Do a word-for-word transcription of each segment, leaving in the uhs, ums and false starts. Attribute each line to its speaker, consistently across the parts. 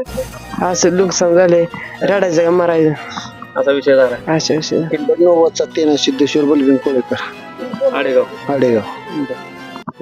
Speaker 1: असं नुकसान झाले रडायचं का मारायचं
Speaker 2: असा विषय झाला
Speaker 1: अशा विषय
Speaker 3: नव्वदचा तेना सिद्धेश्वर बलवीन कोळेकर
Speaker 2: आडेगाव
Speaker 3: आडेगाव.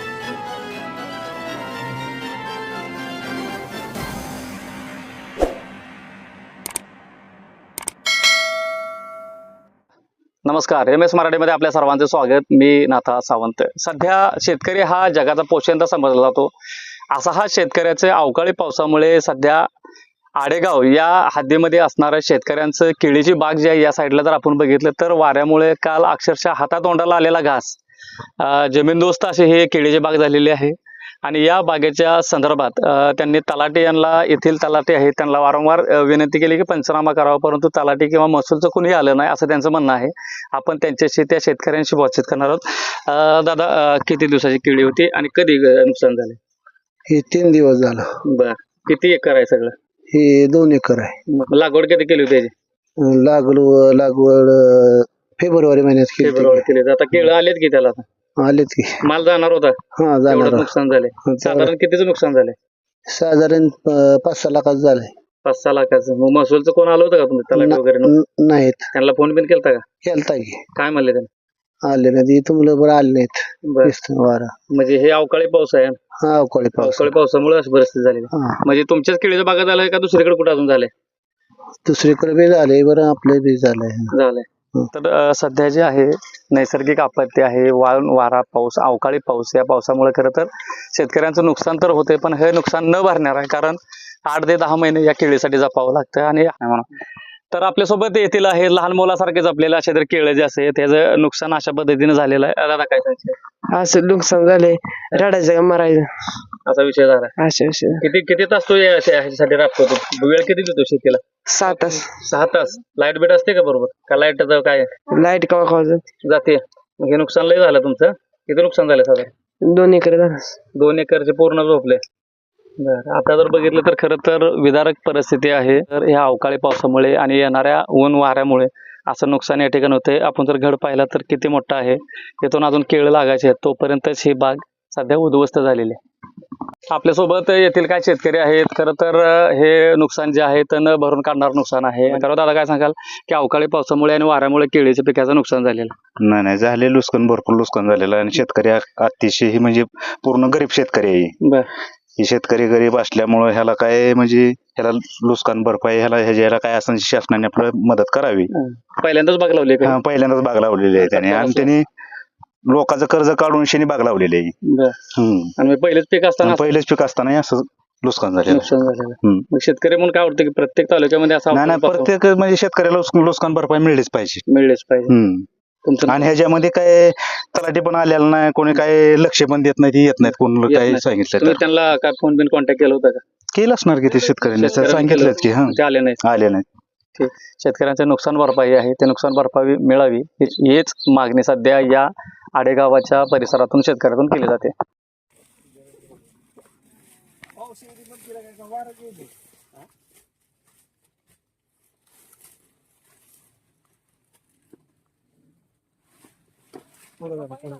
Speaker 2: नमस्कार, एम एस मराठीमध्ये आपल्या सर्वांचे स्वागत. मी नाथा सावंत. सध्या शेतकरी हा जगाचा पोशिंदा समजला जातो. असा हा शेतकऱ्याचे अवकाळी पावसामुळे सध्या आडेगाव या हद्दीमध्ये असणाऱ्या शेतकऱ्यांचं केळीची बाग जी आहे या साईडला जर आपण बघितलं तर वाऱ्यामुळे काल अक्षरशः हातातोंडाला आलेला घास अं, जमीनदोस्त अशी ही केळीची बाग झालेली आहे. आणि या बागेच्या संदर्भात अं, त्यांनी तलाठी यांना, येथील तलाठी आहे त्यांना वारंवार अं, विनंती केली की पंचनामा करावा, परंतु तलाठी किंवा महसूलचं कोणी आलं नाही असं त्यांचं म्हणणं आहे. आपण त्यांच्याशी, त्या शेतकऱ्यांशी बातचीत करणार आहोत. अं, दादा, अं, किती दिवसाची केळी होती आणि कधी अं, नुकसान झाले?
Speaker 3: हे तीन दिवस झालं.
Speaker 2: बर, किती एकर आहे सगळं?
Speaker 3: हे दोन एकर आहे.
Speaker 2: मग लागवड कधी केली होती त्याची?
Speaker 3: लागलो लागवड अं, फेब्रुवारी महिन्यात केली होती.
Speaker 2: फेब्रुवारी केली. आता केळं आलेत की त्याला?
Speaker 3: आलेत की.
Speaker 2: माल जाणार होता,
Speaker 3: हा
Speaker 2: एवढं
Speaker 3: जाणार.
Speaker 2: नुकसान झाले.
Speaker 3: हा,
Speaker 2: साधारण कितीचं नुकसान झाले?
Speaker 3: साधारण अं, पाच सहा लाखाचं झालंय.
Speaker 2: पाच सहा लाखाचं. मग महसूलचं कोण आलं होतं का तुम्ही, तलाठी वगैरे? नको.
Speaker 3: न- नाहीत.
Speaker 2: त्यांना फोन बिन केलता का?
Speaker 3: केलता की.
Speaker 2: काय म्हणले त्यांनी?
Speaker 3: आले नाही तुमलं बरं आले नाहीत.
Speaker 2: बर,
Speaker 3: नुसतं वारा.
Speaker 2: म्हणजे हे अवकाळी पाऊस आहे.
Speaker 3: हा अवकाळी पाऊस.
Speaker 2: अवकाळी पावसामुळे अशी परिस्थिती झाली.
Speaker 3: हा.
Speaker 2: म्हणजे तुमच्याच केळीच्या बागा झालाय का दुसरीकडे कुठं अजून झालंय?
Speaker 3: दुसरीकडे बी झाले बरं, आपलं बी झालंय.
Speaker 2: झालंय.
Speaker 3: हं.
Speaker 2: तर अं, सध्या जे आहे नैसर्गिक आपत्ती आहे, वाळून वारा पाऊस, अवकाळी पाऊस, या पावसामुळे खरं तर शेतकऱ्यांचं नुकसान तर होते, पण हे नुकसान न भरणार आहे. कारण आठ ते दहा महिने या केळीसाठी जपावं लागतं. आणि म्हणा तर आपल्यासोबत येथील आहे लहान मुलासारखे जपलेलं असे तर केळं जे असे त्याचं नुकसान अशा पद्धतीने झालेलं आहे. दादा काय सांगशील?
Speaker 1: असं नुकसान झाले रडायचं का मारायचं
Speaker 2: असा विषय झाला.
Speaker 1: अशा विषय
Speaker 2: किती किती तास तू या- या- ह्याच्यासाठी राबतो तू? वेळ किती देतो शेतीला?
Speaker 1: सात तास
Speaker 2: सहा तास. लाईट बीट असते का बरोबर? का लाईट काय
Speaker 1: लाईट कवा कवा जाते.
Speaker 2: जाते? मग हे नुकसान लय झालं तुमचं. किती नुकसान झालं साधारण?
Speaker 1: दोन एकर झालं.
Speaker 2: दोन एकरचे पूर्ण झोपले. बरं, आता जर बघितलं तर खरं तर विदारक परिस्थिती आहे. तर ह्या अवकाळी पावसामुळे आणि येणाऱ्या ऊन वाऱ्यामुळे असं नुकसान या ठिकाणी होते. आपण जर घड पाहिला तर किती मोठा आहे. इथून अजून केळं लागायचे आहेत, तोपर्यंतच ही बाग सध्या उद्ध्वस्त झालेली आहे. आपल्यासोबत येथील काय शेतकरी आहेत. खरं तर हे नुकसान जे आहे तर न भरून काढणार नुकसान आहे. तर दादा काय सांगाल की अवकाळी पावसामुळे आणि वाऱ्यामुळे केळीच्या पिकाचं नुकसान झालेलं?
Speaker 4: नाही नाही झाले, नुकसान भरपूर नुकसान झालेलं आहे. आणि शेतकरी अतिशय ही म्हणजे पूर्ण गरीब शेतकरी आहे.
Speaker 2: बर,
Speaker 4: ही शेतकरी गरीब असल्यामुळे ह्याला काय म्हणजे ह्याला नुकसान भरपाई ह्याला ह्याला काय असं शासनाने आपलं मदत करावी.
Speaker 2: पहिल्यांदाच बाग लावली का?
Speaker 4: हा, पहिल्यांदाच बाग लावलेली आहे त्याने. आणि त्यांनी लोकांचं कर्ज काढून शेनी बाग लावलेली आहे.
Speaker 2: बर,
Speaker 4: हम्म.
Speaker 2: आणि मग पहिलेच पीक असताना
Speaker 4: आणि पहिलेच पीक असताना हे असं नुकसान झालेलं आहे.
Speaker 2: नुकसान झालेलं.
Speaker 4: हम्म.
Speaker 2: मग शेतकरी म्हणून काय वाटतं की प्रत्येक तालुक्यामध्ये असं
Speaker 4: नाही नाही,
Speaker 2: अवकाळी पाऊस
Speaker 4: प्रत्येक म्हणजे शेतकऱ्याला नुकसान- नुकसान भरपाई मिळलीच पाहिजे.
Speaker 2: मिळलेच पाहिजे.
Speaker 4: हम्म.
Speaker 2: तुमचं
Speaker 4: आणि ह्याच्यामध्ये काय तलाठी पण आलेला नाही, कोणी काय लक्ष पण देत नाही, येत नाहीत कोण
Speaker 2: येत
Speaker 4: काय
Speaker 2: नाही.
Speaker 4: सांगितलं
Speaker 2: तुम्ही
Speaker 4: तर.
Speaker 2: त्यांना काय फोन बिन कॉन्टॅक्ट केला होता का?
Speaker 4: केलं असणार की ते शेतकऱ्यांनी
Speaker 2: शेतकऱ्यांनी
Speaker 4: सांगितलंच की. हा,
Speaker 2: ते आले नाही.
Speaker 4: आले नाही.
Speaker 2: ठीक. शेतकऱ्यांचे नुकसान भरपाई आहे, ते नुकसान भरपाई मिळावी ही- हीच मागणी सध्या या आडेगावाच्या परिसरातून शेतकऱ्यातून केली जाते.